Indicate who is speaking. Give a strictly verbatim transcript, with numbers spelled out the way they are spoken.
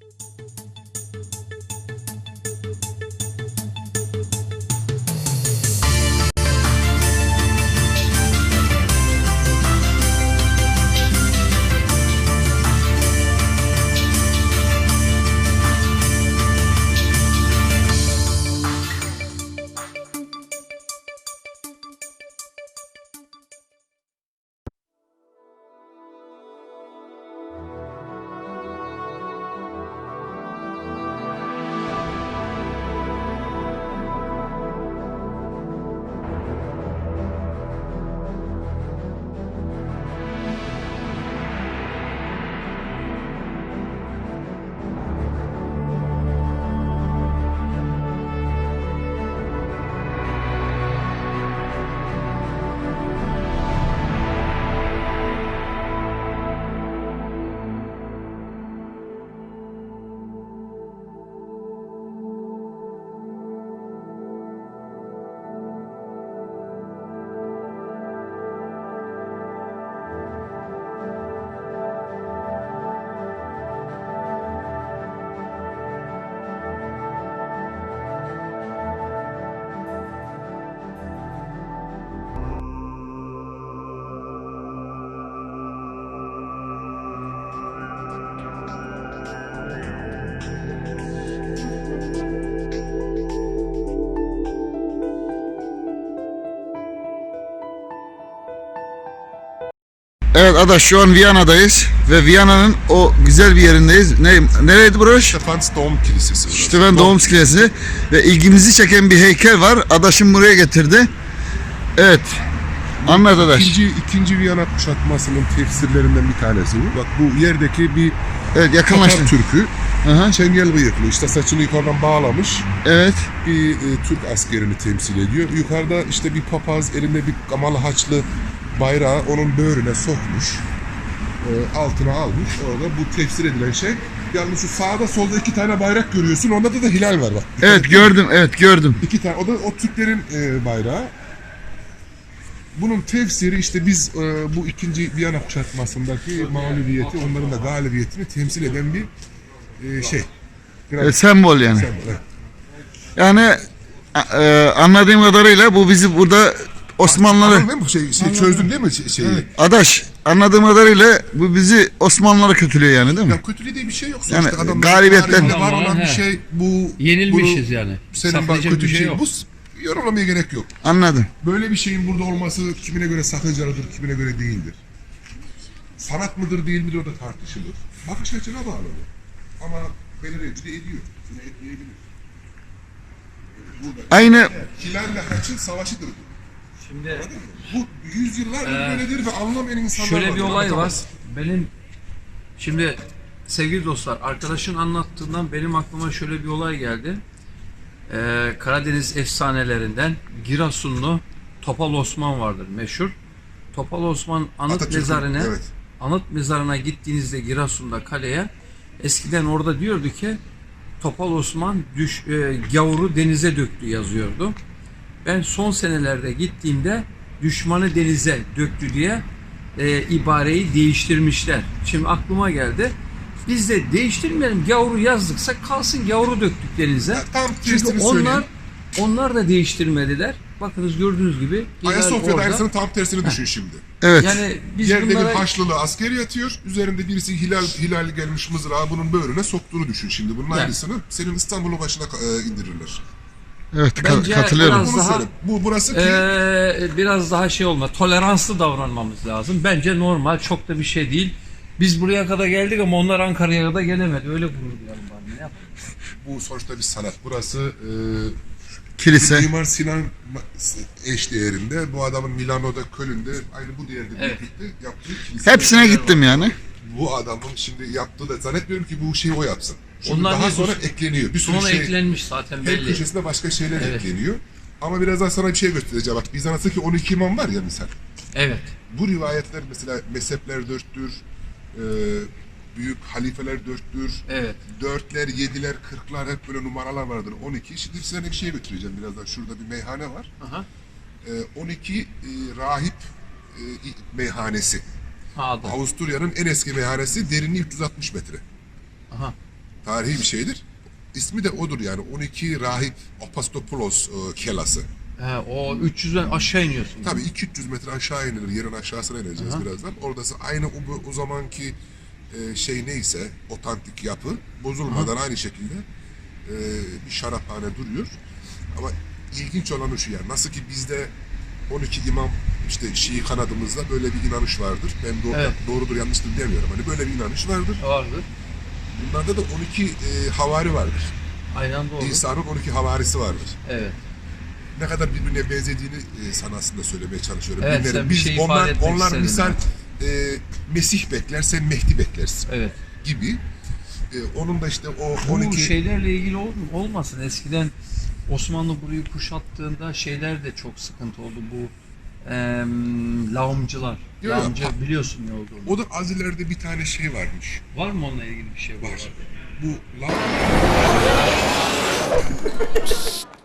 Speaker 1: Evet Adaş, şu an Viyana'dayız ve Viyana'nın o güzel bir yerindeyiz. Ne, nereydi burası?
Speaker 2: Stephansdom Kilisesi.
Speaker 1: Stephansdom Kilisesi ve ilgimizi çeken bir heykel var. Adaş'ım buraya getirdi. Evet. Anlat Adaş.
Speaker 2: İkinci, ikinci Viyana kuşatmasının tefsirlerinden bir tanesi bu. Bak bu yerdeki bir
Speaker 1: evet, yakınlaştı.
Speaker 2: Tatar Türk'ü.
Speaker 1: Aha.
Speaker 2: Çengel bıyıklı, işte saçını yukarıdan bağlamış.
Speaker 1: Evet.
Speaker 2: Bir e, Türk askerini temsil ediyor. Yukarıda işte bir papaz elinde bir kamalı haçlı bayrağı onun böğrüne sokmuş. E, altına almış. Orada bu tefsir edilen şey. Yalnız şu sağda solda iki tane bayrak görüyorsun. Onda da, da hilal var bak.
Speaker 1: Evet gördüm, evet gördüm.
Speaker 2: İki tane. O da o Türklerin e, bayrağı. Bunun tefsiri işte biz e, bu ikinci Viyana kuşatmasındaki mağlubiyeti, onların da galibiyetini temsil eden bir e, şey.
Speaker 1: E, sembol yani.
Speaker 2: Sembol, evet.
Speaker 1: Yani e, anladığım kadarıyla bu bizi burada Osmanlıları...
Speaker 2: Anladın mı? Şey, şey, çözdün değil mi şeyi?
Speaker 1: Evet. Adaş, anladığım kadarıyla bu bizi Osmanlıları kötülüyor yani, değil mi?
Speaker 2: Ya kötülüğü diye bir şey yok.
Speaker 1: Yani
Speaker 2: Sonuçta adamların
Speaker 1: galibiyetten-
Speaker 2: tarihinde var olan
Speaker 3: Tamam,
Speaker 2: bir
Speaker 3: he.
Speaker 2: şey bu.
Speaker 3: Yenilmişiz
Speaker 2: bunu,
Speaker 3: yani.
Speaker 2: Senin bak
Speaker 3: Saklayacak
Speaker 2: kötü
Speaker 3: bir şey
Speaker 2: şey
Speaker 3: yok.
Speaker 2: bu. Yorumlamaya gerek yok.
Speaker 1: Anladım.
Speaker 2: Böyle bir şeyin burada olması kimine göre sakıncalıdır, kimine göre değildir. Sanat mıdır değil midir o da tartışılır. Bakış açına bağlı bu. Ama belirleyici de ediyor. Bunu etmeyebilir. Burada
Speaker 1: Aynı
Speaker 2: hilalle haçın savaşıdır bu.
Speaker 3: Şimdi
Speaker 2: Anladın mı? Bu yüzyıllardır
Speaker 3: Ee,
Speaker 2: böyledir ve anlamayan insanlar
Speaker 3: şöyle
Speaker 2: vardır,
Speaker 3: bir olay var.
Speaker 2: anlatamaz.
Speaker 3: Benim şimdi sevgili dostlar, arkadaşın anlattığından benim aklıma şöyle bir olay geldi. Ee, Karadeniz efsanelerinden Giresunlu Topal Osman vardır meşhur. Topal Osman anıt
Speaker 2: Atatürk'ün,
Speaker 3: mezarına
Speaker 2: evet.
Speaker 3: anıt mezarına gittiğinizde Giresun'da kaleye, eskiden orada diyordu ki Topal Osman düş, e, gavuru denize döktü yazıyordu. Ben son senelerde gittiğimde düşmanı denize döktü diye e, ibareyi değiştirmişler. Şimdi aklıma geldi. Biz de değiştirmeyelim, gavuru yazdıksa kalsın, gavuru döktük denize.
Speaker 2: Ya, tam
Speaker 3: Çünkü
Speaker 2: tersini
Speaker 3: onlar
Speaker 2: söyleyeyim.
Speaker 3: onlar da değiştirmediler. Bakınız gördüğünüz gibi. hilal
Speaker 2: Ayasofya'da
Speaker 3: orada.
Speaker 2: aynısının tam tersini düşün şimdi.
Speaker 1: evet.
Speaker 3: Yani biz
Speaker 2: Yerde
Speaker 3: bunlara
Speaker 2: bir Haçlılı asker yatıyor. Üzerinde birisi hilal hilal gelmiş mızrağı bunun böğrüne soktuğunu düşün şimdi. Bunun
Speaker 3: Yani.
Speaker 2: aynısını senin İstanbul'un başına e, indirirler.
Speaker 1: Evet, ka-
Speaker 3: Bence
Speaker 1: katılıyorum.
Speaker 3: biraz
Speaker 2: Bunu
Speaker 3: daha-
Speaker 2: söyle. Bu burası ki
Speaker 3: Ee, biraz daha şey olma, toleranslı davranmamız lazım. Bence normal, çok da bir şey değil. Biz buraya kadar geldik ama onlar Ankara'ya kadar gelemedi. Öyle gurur duyalım bari. Ne yapalım?
Speaker 2: bu sonuçta bir sanat. Burası e,
Speaker 1: Kilise.
Speaker 2: Mimar Sinan eşdeğerinde. Bu adamın Milano'da, Köln'de aynı bu değerde
Speaker 3: Evet.
Speaker 2: birlikte yaptığı kilise.
Speaker 1: Hepsine gittim yani.
Speaker 2: Bu adamın şimdi yaptığı da zannetmiyorum ki bu şeyi o yapsın. Şimdi
Speaker 3: Onlar
Speaker 2: daha
Speaker 3: ne-
Speaker 2: sonra ekleniyor. Bir sürü
Speaker 3: Sonra
Speaker 2: şey.
Speaker 3: eklenmiş zaten
Speaker 2: Her
Speaker 3: belli.
Speaker 2: köşesinde başka şeyler
Speaker 3: Evet.
Speaker 2: ekleniyor. Ama birazdan sana bir şey göstereceğim. Bak Bizans'taki on iki imam var ya misal.
Speaker 3: Evet.
Speaker 2: Bu rivayetler mesela mezhepler dörttür, e, büyük halifeler dörttür,
Speaker 3: Evet.
Speaker 2: dörtler, yediler, kırklar hep böyle numaralar vardır. on iki. Şimdi size bir şey götüreceğim birazdan. Şurada bir meyhane var.
Speaker 3: Aha.
Speaker 2: E, on iki e, rahip e, meyhanesi.
Speaker 3: Ha, adı.
Speaker 2: Avusturya'nın en eski meyhanesi, derinliği üç yüz altmış metre.
Speaker 3: Aha.
Speaker 2: Tarihi bir şeydir. İsmi de odur yani. on iki rahip Apostopoulos e, kelası.
Speaker 3: He, o üç yüzden aşağı iniyorsun.
Speaker 2: Tabii iki üç yüz metre aşağı inilir. Yerin aşağısına ineceğiz
Speaker 3: Aha.
Speaker 2: birazdan. Oradası aynı o, o zamanki e, şey neyse, otantik yapı bozulmadan aynı şekilde e, bir şaraphane duruyor. Ama ilginç olanı şu yani. Nasıl ki bizde on iki imam işte Şii kanadımızda böyle bir inanış vardır. Ben doğru,
Speaker 3: Evet.
Speaker 2: doğrudur yanlıştır demiyorum. Hani böyle bir inanış vardır.
Speaker 3: Vardır.
Speaker 2: Bunlarda da on iki e, havari vardır.
Speaker 3: Aynı anda olur.
Speaker 2: İsa'nın on iki havarisi vardır.
Speaker 3: Evet.
Speaker 2: Ne kadar birbirine benzediğini e, sana aslında söylemeye çalışıyorum.
Speaker 3: Evet,
Speaker 2: Bilmiyorum.
Speaker 3: sen bir
Speaker 2: Biz
Speaker 3: şey ifade
Speaker 2: onlar
Speaker 3: etmek
Speaker 2: onlar
Speaker 3: istedin
Speaker 2: misal
Speaker 3: yani.
Speaker 2: e, Mesih bekler, sen Mehdi beklersin
Speaker 3: Evet.
Speaker 2: gibi. E, onun da işte o
Speaker 3: Bu
Speaker 2: on iki
Speaker 3: şeylerle ilgili ol, olmasın. Eskiden Osmanlı burayı kuşattığında şeyler de çok sıkıntı oldu. Bu em, lağımcılar.
Speaker 2: Yok,
Speaker 3: Lağımcı
Speaker 2: yok.
Speaker 3: biliyorsun ne olduğunu.
Speaker 2: o da az ileride bir tane şey varmış.
Speaker 3: Var mı onunla ilgili bir şey?
Speaker 2: Var. Bu la